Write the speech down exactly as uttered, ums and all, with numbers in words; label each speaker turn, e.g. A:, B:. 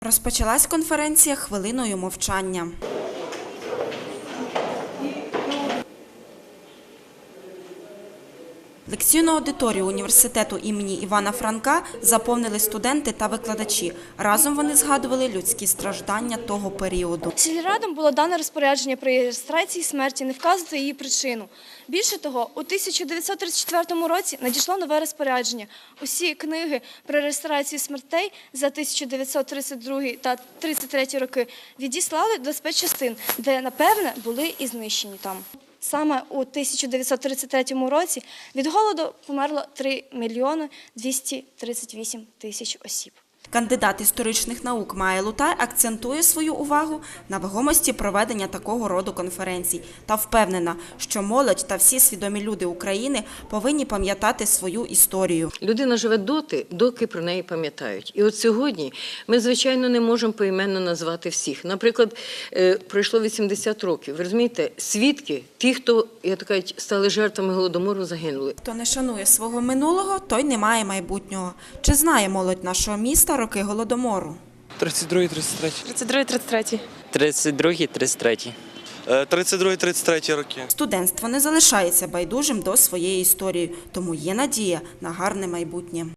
A: Розпочалась конференція хвилиною мовчання. Лекційну аудиторію університету імені Івана Франка заповнили студенти та викладачі. Разом вони згадували людські страждання того періоду.
B: Сільрадам було дано розпорядження при реєстрації смерті не вказувати її причину. Більше того, у тисяча дев'ятсот тридцять четвертому році надійшло нове розпорядження. Усі книги про реєстрацію смертей за тисяча дев'ятсот тридцять другий та тридцять третій роки відіслали до спецчастин, де, напевне, були і знищені там. Саме у тисяча дев'ятсот тридцять третьому році від голоду померло три мільйони двісті тридцять вісім тисяч осіб.
A: Кандидат історичних наук Майя Лутай акцентує свою увагу на вагомості проведення такого роду конференцій та впевнена, що молодь та всі свідомі люди України повинні пам'ятати свою історію.
C: Людина живе доти, доки про неї пам'ятають. І от сьогодні ми, звичайно, не можемо поіменно назвати всіх. Наприклад, пройшло вісімдесят років. Ви розумієте, свідки, ті, хто, я так кажуть, стали жертвами Голодомору, загинули.
A: Хто не шанує свого минулого, той не має майбутнього. Чи знає молодь нашого міста роки Голодомору?
D: тридцять другий тридцять третій.
E: тридцять другий тридцять третій.
F: тридцять другий тридцять третій.
D: тридцять другий тридцять третій роки.
A: Студентство не залишається байдужим до своєї історії, тому є надія на гарне майбутнє.